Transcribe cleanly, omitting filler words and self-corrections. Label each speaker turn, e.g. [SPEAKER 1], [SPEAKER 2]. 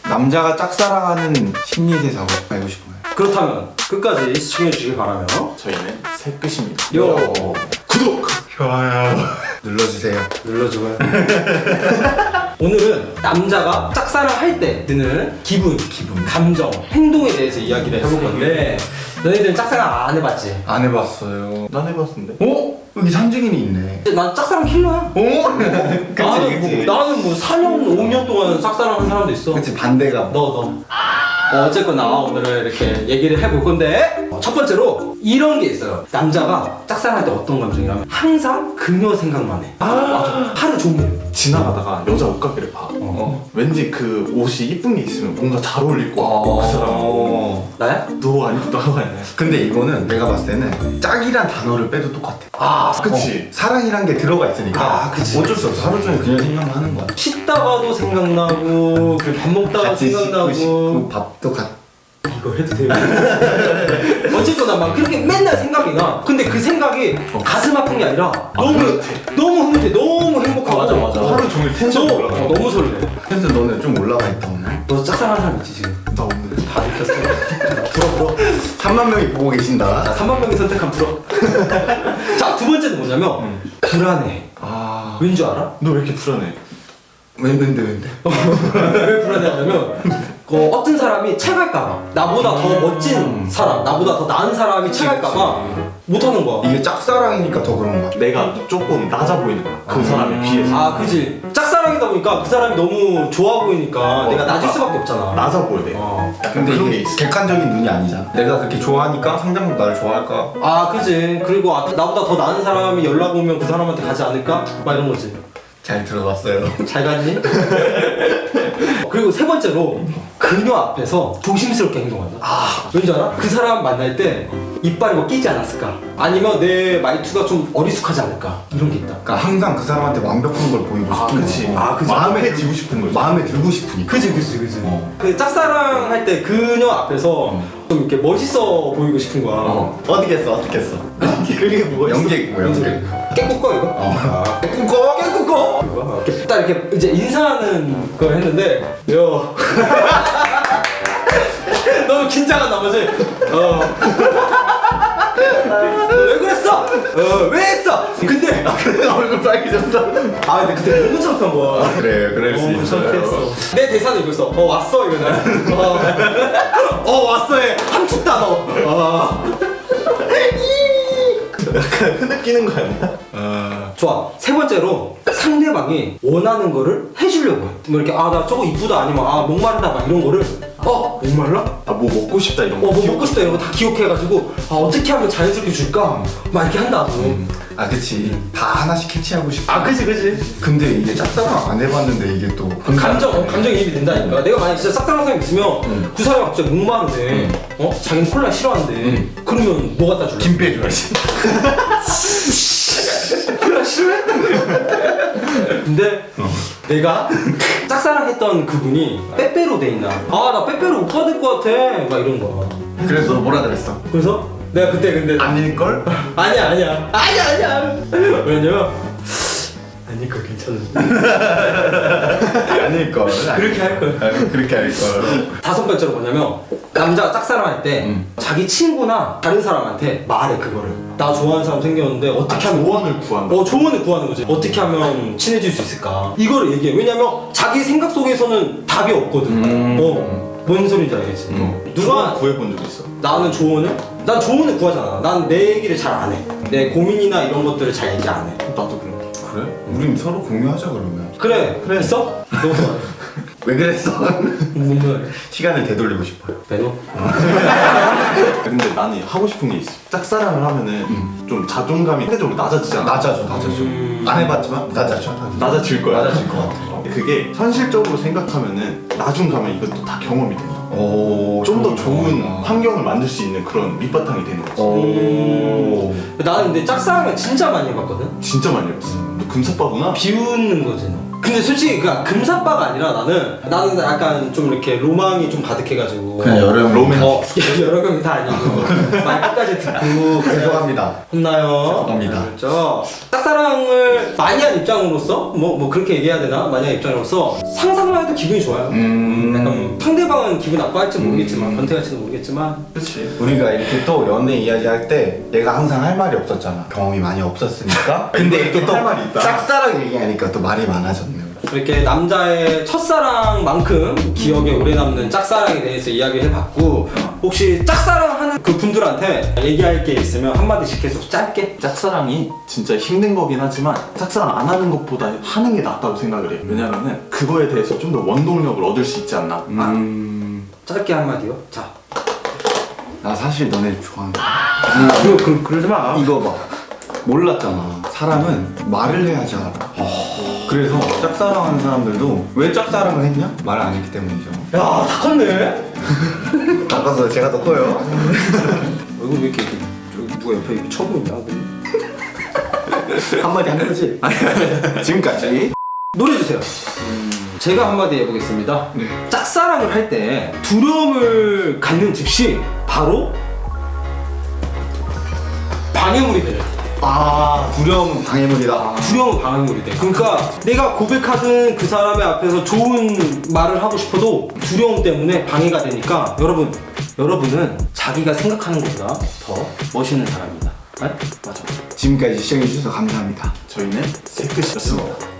[SPEAKER 1] 남자가 짝사랑하는 심리대사고 알고 싶어요.
[SPEAKER 2] 그렇다면 끝까지 시청해주시길 바라며
[SPEAKER 3] 저희는 새끝입니다.
[SPEAKER 2] 요
[SPEAKER 3] 구독!
[SPEAKER 1] 좋아요. 눌러주세요.
[SPEAKER 2] 눌러줘요. 오늘은 남자가 짝사랑할 때 드는 기분, 감정, 행동에 대해서 이야기를 해볼 건데 너희들은 짝사랑 안 해봤지?
[SPEAKER 1] 안 해봤어요.
[SPEAKER 3] 난 해봤는데.
[SPEAKER 1] 어? 여기 삼직인이 있네.
[SPEAKER 2] 난 짝사랑 킬러야.
[SPEAKER 1] 그치.
[SPEAKER 2] 나는 뭐 4년, 5년 동안 짝사랑한 사람도 있어.
[SPEAKER 1] 그치, 반대가.
[SPEAKER 2] 너. 어쨌거나 오늘은 이렇게 얘기를 해볼 건데 첫 번째로 이런 게 있어요. 남자가 짝사랑할 때 어떤 감정이라면 항상 그녀 생각만 해. 맞아. 하루 종일.
[SPEAKER 3] 지나가다가 여자 옷가게를 봐. 왠지 그 옷이 이쁜 게 있으면 뭔가 잘 어울릴 것 같고 그 사람하고.
[SPEAKER 2] 나야?
[SPEAKER 3] 너 아니고 나가 아니야.
[SPEAKER 1] 근데 이거는 내가 봤을 때는 짝이란 단어를 빼도 똑같아.
[SPEAKER 3] 그치.
[SPEAKER 1] 사랑이란 게 들어가 있으니까
[SPEAKER 2] 그치.
[SPEAKER 1] 어쩔 수 없어. 하루 종일 그냥 생각만 하는 거야.
[SPEAKER 2] 씻다가도 생각나고 밥 먹다가
[SPEAKER 1] 같이 씻고
[SPEAKER 2] 생각나고
[SPEAKER 1] 싶고 밥도
[SPEAKER 2] 이거 해도 돼요? 어쨌거나 막 그렇게 맨날 생각이 나. 근데 그 생각이 가슴 아픈 게 아니라 너무 흐뭇해, 너무 행복하고.
[SPEAKER 3] 맞아. 하루 종일 텐션 올라가.
[SPEAKER 2] 너무 설레.
[SPEAKER 1] 그래서 너는 좀 올라가 있다 오늘.
[SPEAKER 2] 너 짝사랑하는 사람 있지 지금?
[SPEAKER 3] 나 없는데.
[SPEAKER 2] 다 들켰어. 불어.
[SPEAKER 1] 3만 명이 보고 계신다.
[SPEAKER 2] 자, 3만 명이 선택한 불어. 자, 두 번째는 뭐냐면 불안해. 왠 줄 알아?
[SPEAKER 3] 너 왜 이렇게 불안해?
[SPEAKER 1] 왠데.
[SPEAKER 2] 왜 불안해하냐면 어떤 사람이 채갈까봐, 나보다 더 멋진 사람, 나보다 더 나은 사람이 채갈까봐 못하는 거야.
[SPEAKER 1] 이게 짝사랑이니까 더 그런 거야.
[SPEAKER 3] 내가 조금 낮아 보이는 거야. 그 사람에 비해서.
[SPEAKER 2] 아, 그지. 짝사랑이다 보니까 그 사람이 너무 좋아 보이니까 내가 낮을 수밖에 없잖아.
[SPEAKER 3] 낮아 보여 돼.
[SPEAKER 2] 어.
[SPEAKER 3] 약간
[SPEAKER 1] 근데
[SPEAKER 3] 그런 게
[SPEAKER 1] 이게
[SPEAKER 3] 있어.
[SPEAKER 1] 객관적인 눈이 아니잖아. 내가 그렇게 좋아하니까 상대방도 나를 좋아할까?
[SPEAKER 2] 아, 그지. 그리고 나보다 더 나은 사람이 연락 오면 그 사람한테 가지 않을까? 막 이런 거지.
[SPEAKER 1] 잘 들어봤어요.
[SPEAKER 2] 잘 갔니? 그리고 세 번째로 그녀 앞에서 조심스럽게 행동한다. 왠지 알아? 그 사람 만날 때 이빨이 뭐 끼지 않았을까? 아니면 내 말투가 좀 어리숙하지 않을까? 이런 게 있다.
[SPEAKER 1] 그러니까 항상 그 사람한테 완벽한 걸 보이고 싶은
[SPEAKER 3] 그치.
[SPEAKER 1] 거.
[SPEAKER 3] 그치. 마음에 들고 싶은 거지.
[SPEAKER 1] 마음에 들고 싶으니까.
[SPEAKER 2] 그지. 그 짝사랑 할 때 그녀 앞에서 좀 이렇게 멋있어 보이고 싶은 거야.
[SPEAKER 1] 어떻게 했어?
[SPEAKER 3] 그게 뭐가 있어?
[SPEAKER 1] 연기 있고 연기.
[SPEAKER 2] 깨꾸꺼 이거?
[SPEAKER 1] 꿈꿔?
[SPEAKER 2] 깨꾸꺼? 이거 이렇게 딱 이렇게 이제 인사하는 걸 했는데 요 너무 긴장한 나머지 왜 그랬어? 왜 했어? 근데
[SPEAKER 1] 얼굴 빨개졌어.
[SPEAKER 2] 근데 그때 너무 창피한 거야.
[SPEAKER 1] 그래, 그럴 수
[SPEAKER 2] 너무
[SPEAKER 1] 있어요.
[SPEAKER 2] 창피했어. 내 대사는 이거였어. 왔어 이거는. 왔어 해. 함축다 너.
[SPEAKER 3] 약간 흐느끼는 거 아니야?
[SPEAKER 2] 좋아. 세 번째로 상대방이 원하는 거를 해주려고 해. 뭐 이렇게 나 저거 이쁘다 아니면 목마르다 막 이런 거를 목말라?
[SPEAKER 3] 뭐 먹고 싶다 이런 거.
[SPEAKER 2] 뭐 먹고 싶다 이런 거 다 기억해가지고 어떻게 하면 자연스럽게 줄까? 막 이렇게 한다고.
[SPEAKER 1] 그치. 다 하나씩 캐치하고 싶어.
[SPEAKER 2] 그지.
[SPEAKER 1] 근데 이게 짝사랑 안 해봤는데 이게 또.
[SPEAKER 2] 감정이입이 된다니까. 내가 만약 진짜 짝사랑 사람 있으면 그 사람이 갑자기 목마르대. 자기는 콜라 싫어한대. 그러면 뭐 갖다 줄래?
[SPEAKER 1] 김 빼줘야지.
[SPEAKER 2] 콜라 싫어해? 근데 내가 짝사랑했던 그분이 빼빼로 돼 있나? 나 빼빼로 못 받을 것 같아. 막 이런 거야.
[SPEAKER 1] 그래서 뭐라 그랬어?
[SPEAKER 2] 그래서 내가 그때 근데
[SPEAKER 1] 아닐걸?
[SPEAKER 2] 아니야. 왜냐면 아닐 거 괜찮은데.
[SPEAKER 1] 아닐걸.
[SPEAKER 2] 그렇게 할 걸.
[SPEAKER 1] 그렇게 할걸.
[SPEAKER 2] 다섯 번째로 뭐냐면 남자가 짝사랑할 때 자기 친구나 다른 사람한테 말해 그거를. 나 좋아하는 사람 생겼는데 어떻게 하면
[SPEAKER 3] 조언을 구하는 거.
[SPEAKER 2] 조언을 구하는 거지. 어떻게 하면 친해질 수 있을까? 이거를 얘기해. 왜냐면 자기 생각 속에서는 답이 없거든. 뭔 소리인지 알겠지?
[SPEAKER 3] 누가 구해본 적 있어?
[SPEAKER 2] 난 조언을 구하잖아. 난 내 얘기를 잘 안 해. 내 고민이나 이런 것들을 잘 얘기 안 해.
[SPEAKER 3] 나도 그래.
[SPEAKER 1] 그래? 우린 서로 공유하자 그러면.
[SPEAKER 2] 그래. 있어? 너무 좋아.
[SPEAKER 1] 왜 그랬어?
[SPEAKER 2] 뭔가
[SPEAKER 1] 시간을 되돌리고 싶어요.
[SPEAKER 2] 배너?
[SPEAKER 3] 근데 나는 하고 싶은 게 있어. 짝사랑을 하면은 좀 자존감이 상대적으로 낮아지잖아.
[SPEAKER 1] 낮아져. 안 해봤지만 낮아져.
[SPEAKER 3] 낮아질 거야.
[SPEAKER 1] 낮아질 것 같아.
[SPEAKER 3] 그게 현실적으로 생각하면은 나중 가면 이것도 다 경험이 된다. 좀 더 좋은 환경을 만들 수 있는 그런 밑바탕이 되는 거지.
[SPEAKER 2] 나는 근데 짝사랑을 진짜 많이 해봤거든?
[SPEAKER 3] 진짜 많이 해봤어. 너 금사빠구나?
[SPEAKER 2] 비웃는 거지 너. 근데 솔직히 그냥 금사빠가 아니라 나는 약간 좀 이렇게 로망이 좀 가득해가지고
[SPEAKER 1] 그냥 여러 명
[SPEAKER 3] 로맨.
[SPEAKER 2] 여러 명이 다 아니고 말 끝까지 듣고
[SPEAKER 1] 죄송합니다.
[SPEAKER 2] 혼나요.
[SPEAKER 1] 죄송합니다.
[SPEAKER 2] 그렇죠. 짝사랑을 많이 한 입장으로서 뭐 그렇게 얘기해야 되나? 많이 한 입장으로서 상상만 해도 기분이 좋아요. 약간 상대방은 기분 나빠할지 모르겠지만 변태할지도 모르겠지만
[SPEAKER 3] 그렇지.
[SPEAKER 1] 우리가 이렇게 또 연애 이야기할 때 얘가 항상 할 말이 없었잖아. 경험이 많이 없었으니까. 근데 이렇게 또
[SPEAKER 3] 할 말이 있다.
[SPEAKER 1] 짝사랑 얘기하니까 또 말이 많아졌네요.
[SPEAKER 2] 이렇게 남자의 첫사랑만큼 기억에 오래 남는 짝사랑에 대해서 이야기를 해봤고 혹시 짝사랑하는 그 분들한테 얘기할 게 있으면 한마디씩 해서 짧게.
[SPEAKER 3] 짝사랑이 진짜 힘든 거긴 하지만 짝사랑 안 하는 것보다 하는 게 낫다고 생각을 해요. 왜냐면은 그거에 대해서 좀 더 원동력을 얻을 수 있지 않나.
[SPEAKER 2] 짧게 한마디요. 자.
[SPEAKER 1] 나 사실 너네 좋아한다.
[SPEAKER 2] 그러지 마.
[SPEAKER 1] 이거 봐. 몰랐잖아. 사람은 말을 해야지 알아. 그래서 짝사랑하는 사람들도 왜 짝사랑을 했냐? 말을 안 했기 때문이죠.
[SPEAKER 2] 야, 다 컸네.
[SPEAKER 1] 아까서 제가 더 커요.
[SPEAKER 2] 얼굴 왜 이렇게 저기 누가 옆에 이렇게 쳐보이냐?
[SPEAKER 1] 한마디 한 거지? 지금까지.
[SPEAKER 2] 노래 주세요. 제가 한마디 해보겠습니다.
[SPEAKER 1] 네.
[SPEAKER 2] 짝사랑을 할 때 두려움을 갖는 즉시 바로 방해물이 되죠.
[SPEAKER 1] 두려움은 방해물이다.
[SPEAKER 2] 두려움은 방해물이 돼. 그러니까 내가 고백하는 그 사람의 앞에서 좋은 말을 하고 싶어도 두려움 때문에 방해가 되니까 여러분은 자기가 생각하는 것보다 더 멋있는 사람입니다. 네? 맞아.
[SPEAKER 1] 지금까지 시청해주셔서 감사합니다.
[SPEAKER 3] 저희는 세크시였습니다.